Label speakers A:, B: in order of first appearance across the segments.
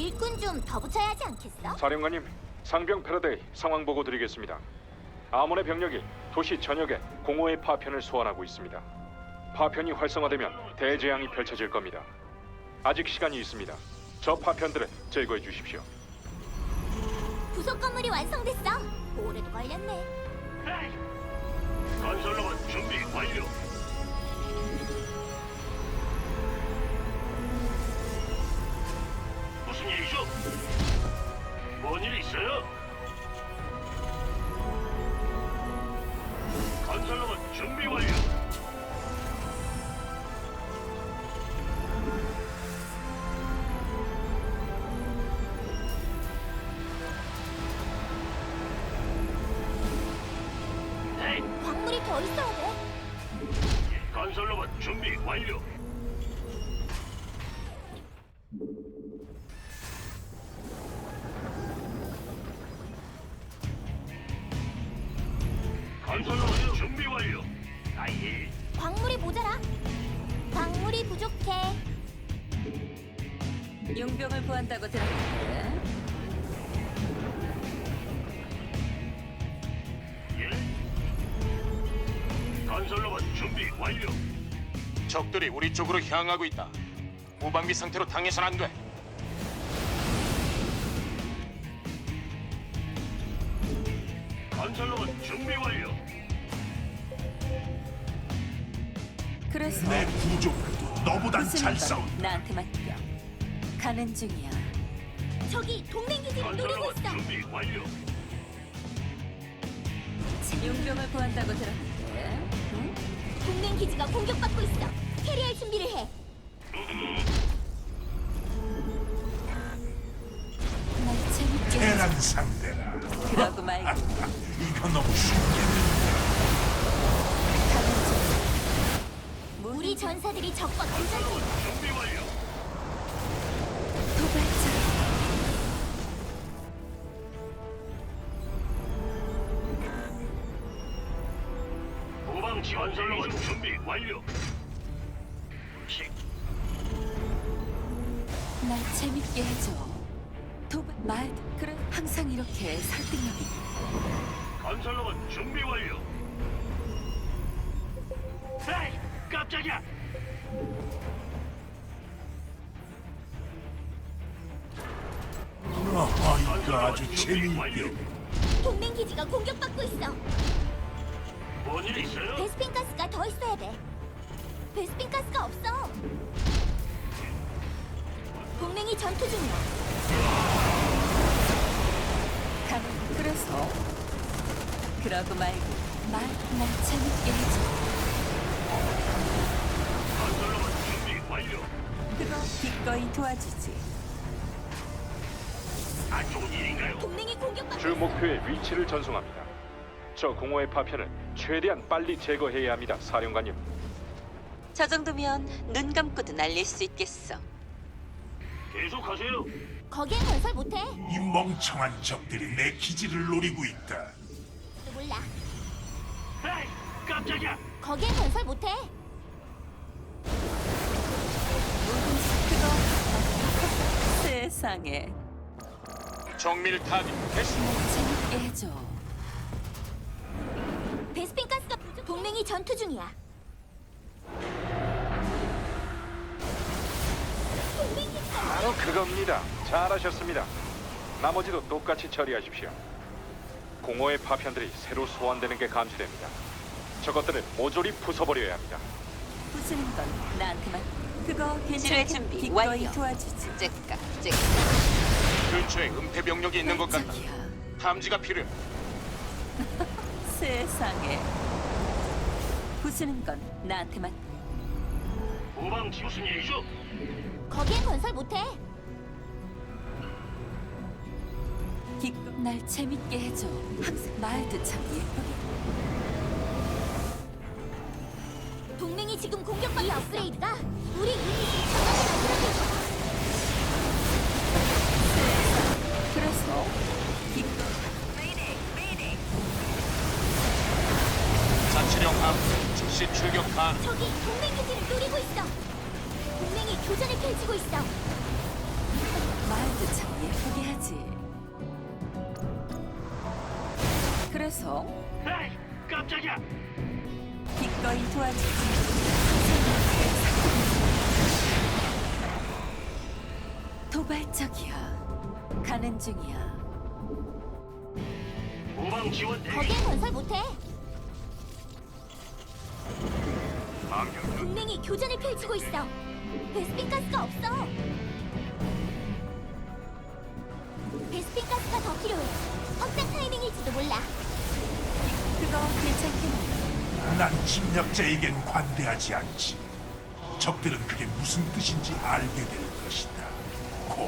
A: 일꾼 좀 더 붙여야 하지 않겠어?
B: 사령관님, 상병 패러데이 상황 보고 드리겠습니다. 아몬의 병력이 도시 전역에 공허의 파편을 소환하고 있습니다. 파편이 활성화되면 대재앙이 펼쳐질 겁니다. 아직 시간이 있습니다. 저 파편들을 제거해 주십시오.
A: 부속 건물이 완성됐어. 오래도 걸렸네.
C: 건설로봇 준비 완료. 무슨 일이죠? 뭔 일 있어요? 건설로봇 준비 완료. 네,
A: 광물이 더 있어야 돼.
C: 건설로봇 준비 완료. 건설로봇 준비 완료. 아예.
A: 광물이 모자라. 광물이 부족해.
D: 용병을 구한다고 들었는데
C: 예. 건설로봇 준비 완료.
E: 적들이 우리 쪽으로 향하고 있다. 무방비 상태로 당해선 안 돼.
C: 건설로봇 준비 완료.
D: 그래서
F: 내 구조물도 너보단 잘
D: 무슨
F: 싸운다.
D: 건 나한테 맡겨. 가는 중이야.
A: 저기 동맹 기지를 노리고
C: 건설로봇
A: 있어.
C: 준비 완료.
D: 용병을 구한다고 들었는데 응?
A: 동맹 기지가 공격받고 있어. 캐리할 준비를 해.
D: 날 재밌게
F: 대란 상대라.
D: 그러고 말고
F: 이거 너무 쉽게.
D: 가는 중이야.
A: 우리 전사들이 적과 교전 중.
C: 건설로봇 준비 완료.
D: 도발자
C: 후방 지원 건설로봇 준비 완료.
D: 날 재밌게 해줘. 도발 말 그래 항상 이렇게 설득력이.
C: 건설로봇 준비 완료. 에이, 깜짝이야.
F: 이거 아주 재미있게.
A: 동맹 기지가 공격받고 있어.
C: 뭔 일 있어요?
A: 베스핀 가스가 더 있어야 돼. 베스핀 가스가 없어. 동맹이 전투 중이야.
D: 가는 그래서 그러고 말고 날 재밌게 해줘.
C: 건설로봇 준비 완료.
D: 그거 기꺼이 도와주지.
C: 안 좋은 일인가요?
A: 동맹이 공격받고
B: 주 목표의 위치를 전송합니다. 저 공허의 파편을 최대한 빨리 제거해야 합니다, 사령관님.
D: 저 정도면 눈 감고도 날릴 수 있겠어.
C: 계속하세요.
A: 거기엔 건설 못해.
F: 이 멍청한 적들이 내 기지를 노리고 있다.
A: 몰라.
C: 에이, 깜짝이야.
A: 거기엔 건설 못해.
D: 그거 세상에
E: 정밀 타깃 개시.
D: 재밌게 해줘.
A: 베스핀 가스가 부족. 동맹이 전투 중이야. 동맹 기지가
B: 바로 그겁니다. 잘하셨습니다. 나머지도 똑같이 처리하십시오. 공허의 파편들이 새로 소환되는 게 감지됩니다. 저것들을 모조리 부숴버려야 합니다.
D: 부수는 건 나한테만. 그거
G: 지뢰
D: 괜찮게
G: 준비
D: 기꺼이
G: 완료.
D: 도와주지.
G: 째까
E: 근처에 은폐 병력이 있는 것 같다.
D: 깜짝이야.
E: 탐지가 필요해.
D: 세상에. 부수는 건 나한테만.
C: 후방 무슨 일이죠?
A: 거기엔 건설 못해.
D: 기껏 날 재밌게 해줘. 항상 말도 참 예쁘게.
A: 동맹이 지금 공격받고 이 업그레이드가 우리 유닛을 강화시켜.
D: 그래서 기껏
E: 자치령 함 즉시 출격 가능.
A: 저기 동맹 기지를 노리고 있어. 동맹이 교전을 펼치고 있어.
D: 말도 말도 참 예쁘게 하지. 그래서
C: 에이, 깜짝이야.
D: 기꺼이 도와주지. 도발적이야. 가는 중이야.
C: 후방 지원 대기.
A: 거기엔 건설 못해.
C: 방금
A: 동맹이 교전을 펼치고 있어. 베스핀 가스가 없어. 베스핀 가스가 더 필요해. 확장 타이밍일지도 몰라.
D: 그거 괜찮겠네.
F: 난 침략자에겐 관대하지 않지. 적들은 그게 무슨 뜻인지 알게 될 것이다. 고.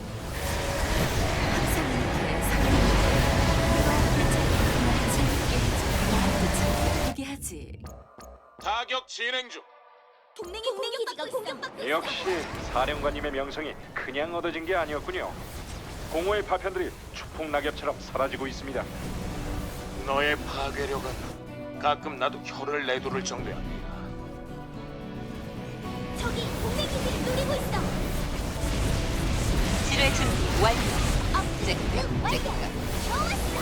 D: 항상 이렇게 사랑해. 그거 괜찮겠구나. 재밌게 해줘. 말도 참 예쁘게 하지.
E: 타격 진행 중.
A: 동맹이 기지가 공격받고 있어.
B: 역시 사령관님의 명성이 그냥 얻어진 게 아니었군요. 공허의 파편들이 추풍 낙엽처럼 사라지고 있습니다.
E: 너의 파괴력은 가끔 나도 혀를 내두를 정도야.
A: 저기 동맹 기지를 노리고 있어.
D: 지뢰 준비 완료.
A: 업그레이드 완료. 좋았어.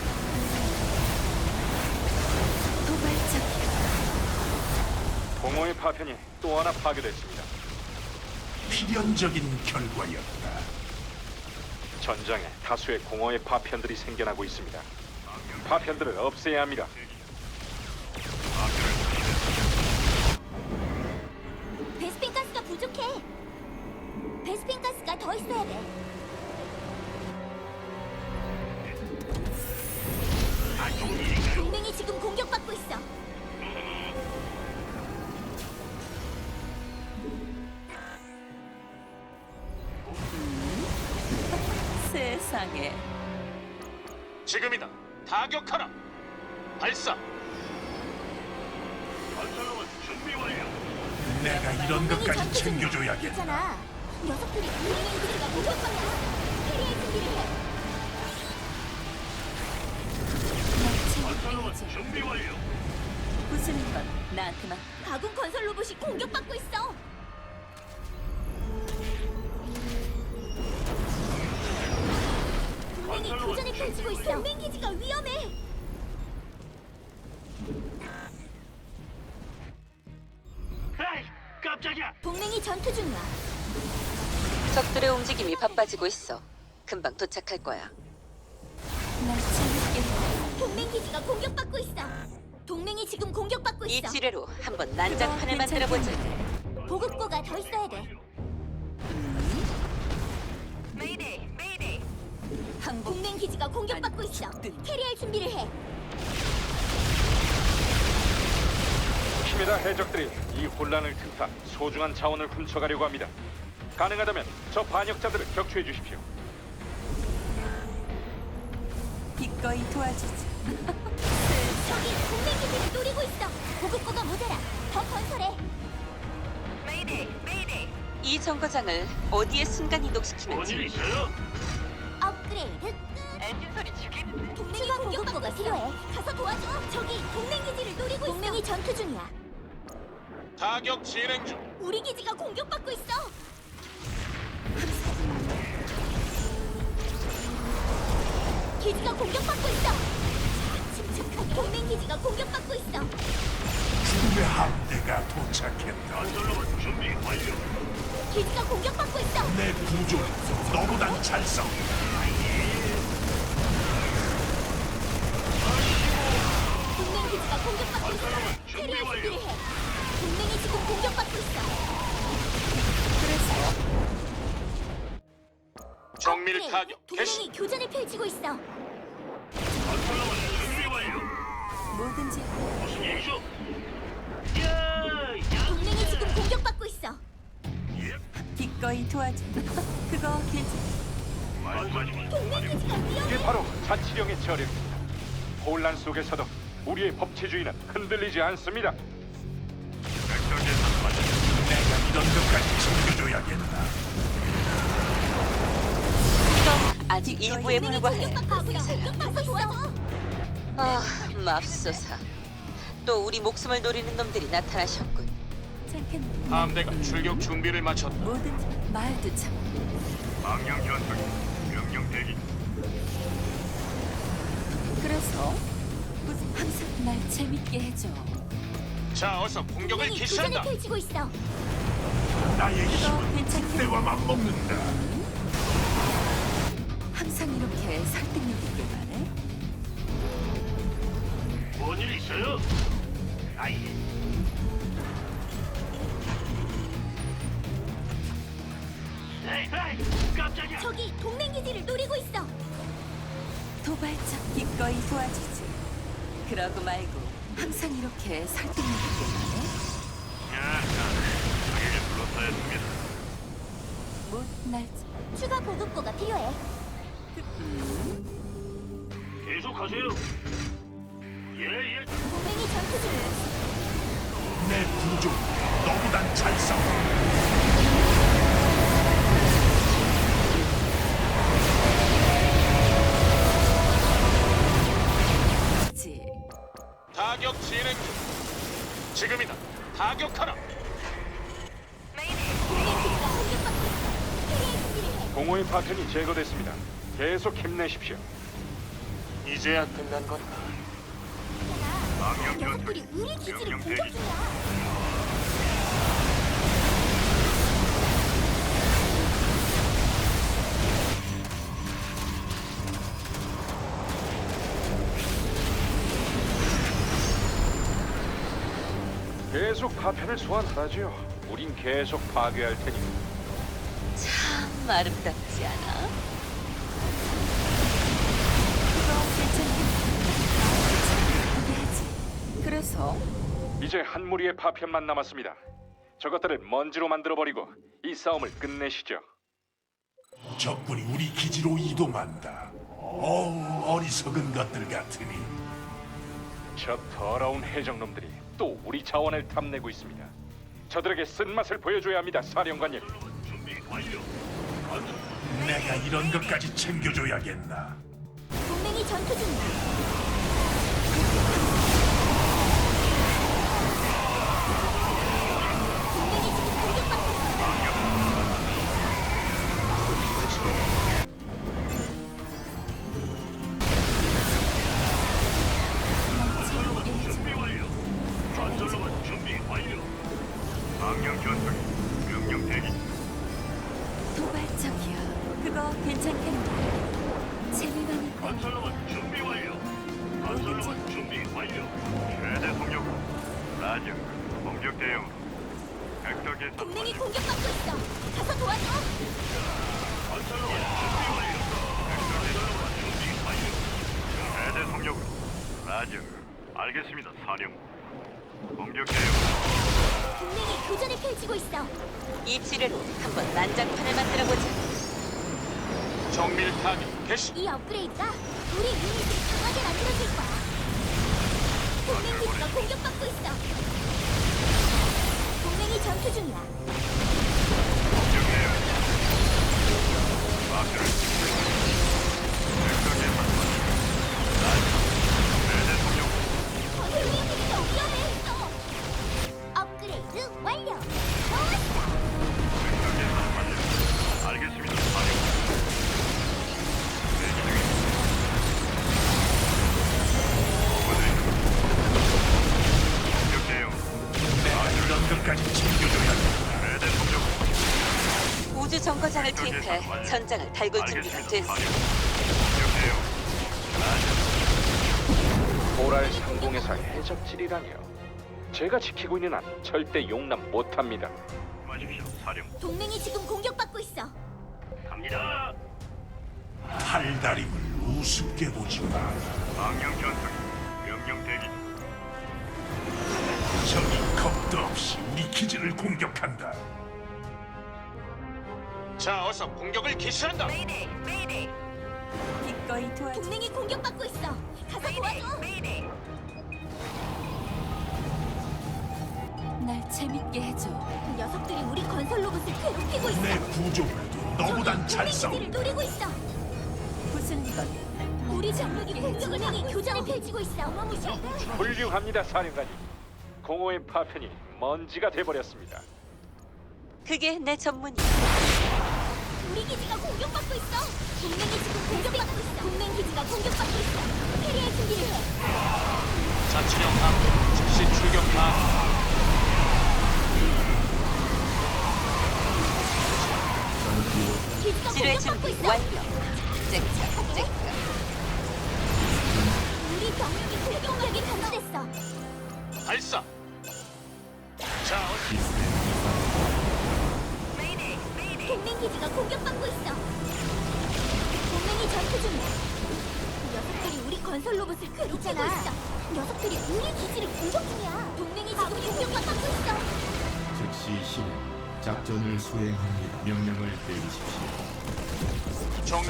D: 도발적이야.
B: 공허의 파편이 또 하나 파괴됐습니다.
F: 필연적인 결과였다.
B: 전장에 다수의 공허의 파편들이 생겨나고 있습니다. 파편들을 없애야 합니다.
A: 베스핀 가스가 부족해. 베스핀 가스가 더 있어야 돼. 동맹이 지금 공격받고 있어.
D: 세상에.
E: 지금이다. 타격하라. 발사.
C: 건설로봇 준비 완료.
F: 내가 이런 것까지 챙겨줘야겠다.
A: 있잖아. 녀석들이 동맹 기지가 공격받아. 캐리의 준비를 해.
C: 건설로봇 준비 완료.
D: 부수는 건 나한테만.
A: 가군 건설 로봇이 공격받고 있어. 동맹이 교전을 펼치고 있어. 동맹 기지가 위험해.
C: 에이, 깜짝이야.
A: 동맹이 전투 중이야.
G: 적들의 움직임이 바빠지고 있어. 금방 도착할 거야.
D: 날 재밌게 해.
A: 동맹 기지가 공격받고 있어. 동맹이 지금 공격받고
G: 이
A: 있어.
G: 지뢰로 한번 난장판을 만들어 보지.
A: 보급고가 더 있어야 돼.
D: 항복.
A: 동맹 기지가 공격받고 있어. 캐리할 준비를 해.
B: 힘이다 해적들이 이 혼란을 틈타 소중한 자원을 훔쳐가려고 합니다. 가능하다면 저 반역자들을 격추해 주십시오.
D: 기꺼이 도와주지.
A: 저기 동맹 기지를 노리고 있어. 보급고가 모자라. 더 건설해.
G: 이 정거장을 어디에 순간 이동시키면
C: 뭔일
G: 좋을까?
C: 있어요?
A: 업그레이드. 엔진 소리 죽임. 동맹이 공격보가 필요해. 가서 도와줘. 저기 동맹 기지를 노리고 있어. 동맹이 전투 중이야.
E: 타격 진행 중.
A: 우리 기지가 공격받고 있어. 기지가 공격받고 있어. 침착하게. 동맹 기지가 공격받고 있어.
F: 죽음의 함대가 도착했다.
C: 건설로봇 준비 완료.
A: 기지가 공격받고 있어.
F: 내 구조는 너보단 잘 싸워.
A: 동맹 기지가 공격받고 있어. 캐리할 준비를 해. 동맹이 지금 공격받고 있어.
D: 그래서
E: 정밀
A: 업그레이드.
E: 타격 개시.
A: 동맹이 교전을 펼치고 있어.
C: 건설로봇 준비 완료.
D: 뭐든지
C: 무슨 일이죠? 야,
A: 동맹이 지금 공격받고 있어.
D: 기꺼이 도와줘. 그거 괜찮.
C: 말씀하시면
A: 동맹 기지가 위험해.
B: 이게 바로 자치령의 저력입니다. 혼란 속에서도 우리의 법치주의는 흔들리지 않습니다.
F: 내가 이런 것까지 챙겨줘야겠다.
G: 이건 아직 일부에
A: 동맹이
G: 불과해.
A: 공격받고 있어. 공격받고 있어.
G: 아, 맙소사. 또 우리 목숨을 노리는 놈들이 나타나셨군.
D: 괜찮겠네.
E: 함대가 출격 준비를 마쳤다.
D: 뭐든지 말도 참.
C: 망령 전투기 명령 대기.
D: 그래서 무슨 항상 날 재밌게 해줘.
E: 자, 어서 공격을
A: 동맹이 교전을
E: 개시한다.
A: 펼치고 있어.
F: 나의
D: 그거
F: 힘은
D: 괜찮겠네.
F: 때와 맞먹는다.
D: 항상 이렇게 설득력 있게 말해.
C: 뭔일 있어요? 아이. 에이, 깜짝이야.
A: 저기 동맹 기지를 노리고 있어.
D: 도발적 기꺼이 도와주지. 그러고 말고 항상 이렇게 설득력 있게 말해.
C: 자기를 불렀어야 했습니다.
D: 못날
A: 추가 보급고가 필요해.
C: 계속하세요. 예.
A: 동맹이 전투 중이야.
F: 내 구조 너보단 잘 싸워.
D: 지.
E: 타격 진행 중. 지금이다. 타격하라.
A: 동맹 기지가 공격받고 있어. 캐리의 준비를 해.
B: 공허의 파편이 제거됐습니다. 계속 힘내십시오.
E: 이제야 끝난 건가?
C: 망령
A: 녀석들이
C: 전투기
A: 우리 기지를
C: 명령
A: 공격
C: 대기.
A: 중이야.
B: 계속 파편을 소환하라지요. 우린 계속 파괴할 테니.
G: 참 아름답지 않아?
D: 그거 괜찮겠네. 그래서
B: 이제 한 무리의 파편만 남았습니다. 저것들을 먼지로 만들어버리고 이 싸움을 끝내시죠.
F: 적군이 우리 기지로 이동한다. 어우, 어리석은 것들 같으니.
B: 저 더러운 해적놈들이 또 우리 자원을 탐내고 있습니다. 저들에게 쓴맛을 보여줘야 합니다, 사령관님.
C: 준비 완료.
F: 내가 이런 것까지 챙겨줘야겠나.
A: 동맹이 전투 중이야. 동맹이 지금 공격받고 있어.
C: 준비 완료. 건설로만 준비 완료. 망령 전투기 명령 대기.
D: 도발적이야. 그거 괜찮겠네. 재미나니까.
C: 건설로만 준비 완료. 건설로만 준비 완료. 최대 속력. 라즈 공격 대응. 벡터 계산.
A: 동맹이 공격받고 있어. 가서 도와줘.
C: 건설로만 준비 완료. 건설로만 준비 완료. 최대 속력. 라즈 알겠습니다, 사령. 공격 대응.
A: 동맹이 교전을 펼치고 있어.
G: 이 지뢰로 한번 난장판을 만들어보자.
E: 정밀 타격 개시.
A: 이 업그레이드가 우리 유닛을 강하게 만들어줄 거야. 동맹 기지가 공격받고 있어. 동맹이 전투 중이야.
C: 공격 대응. 마크를 벡터 계산. 라즈 최대 속력.
A: 동맹들이 더 위험해. 업그레이드 완료. 좋았어.
C: 벡터 계산 완료. 알겠습니다, 사령. 대기 중입니다. 공격 대응.
F: 내가 이런 것까지 챙겨줘야겠나.
C: 최대 속력.
G: 우주 정거장을 투입해 전장을 달굴 준비가 됐어.
B: 보랄 상공에서 해적질이라니요. 제가 지키고 있는 한 절대 용납 못합니다.
C: 마십시오, 사령.
A: 동맹이 지금 공격받고 있어.
C: 갑니다.
F: 팔다림을 우습게 보지 마라.
C: 망령 전투기 명령 대기.
F: 적이 겁도 없이 우리 기지를 공격한다.
E: 자, 어서 공격을 개시한다.
D: 기꺼이 도와줘.
A: 동맹이 공격받고 있어. 가서 도와줘.
D: 날 재밌게 해줘.
A: 녀석들이 우리 건설 로봇을 괴롭히고 있어.
F: 내 구조물도 너보단 잘 싸워.
A: 동맹 기지를 노리고 있어.
D: 무슨 건
A: 우리 병력이 공격을 향해 교전을 펼치고 있어.
B: 훌륭합니다, 사령관님. 공허의 파편이 먼지가 돼버렸습니다.
G: 그게 내 전문이야.
A: 우리 기지가 공격받고 있어. 동맹이 지금 공격받고 있어. 동맹 기지가 공격받고 있어. 캐리의 준비를 해.
E: 자치령 함 즉시 출격 가.
A: 기지가
G: 지뢰
A: 공격받고
G: 준비
A: 있어.
G: 완료. 잭잭잭.
A: 우리 병력이 공격력이 감소됐어.
E: 발사. 자,
A: 동맹 기지가 공격받고 있어. 동맹이 전투 중이야. 녀석들이 우리 건설 로봇을 괴롭히고 있어. 녀석들이 우리 기지를 공격 중이야. 동맹이 지금 공격받고 있어.
H: 즉시 실행 작전을 수행합니다. 명령을 내리십시오.
E: 정리.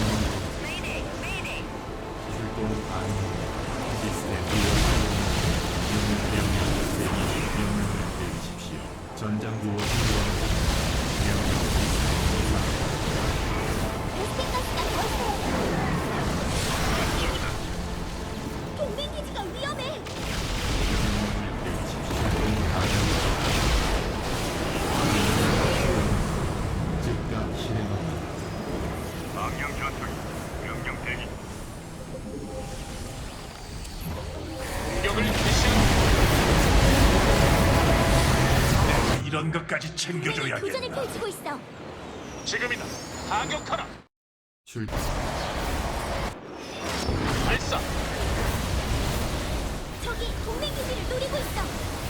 H: 출동 가능합니다. 시스템 명령을 내리십시오. 전장 구호 수행합니다. 명령
A: 베스팅 가스가 더 있어. 동맹 기지가 위험해.
H: 즉각 실행합니다.
C: 망령 전투기 명령 대기.
E: 공격을 개시한.
F: 이런 것까지
A: 동맹이 교전을
F: 챙겨줘야겠다.
A: 펼치고 있어.
E: 지금이다. 타격하라.
H: 출동
E: 발사.
A: 저기 동맹 기지를 노리고 있어.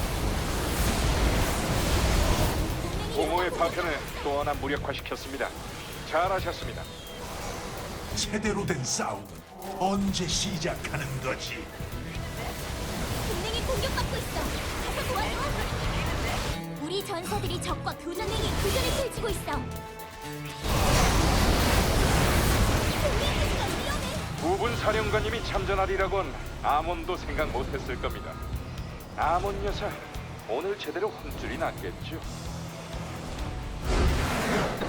A: 동맹이
B: 공허의
A: 녀석을
B: 파편을 또 하나 무력화시켰습니다. 잘하셨습니다.
F: 제대로 된 싸움은 언제 시작하는 거지?
A: 동맹이 공격받고 있어. 가서 도와줘. 우리 전사들이 적과 교전행위 교전을 펼치고 있어. 동맹 기지가 위험해.
B: 부분 사령관님이 참전하리라곤 아몬도 생각 못했을 겁니다. 아몬 여사 오늘 제대로 혼쭐이 났겠죠.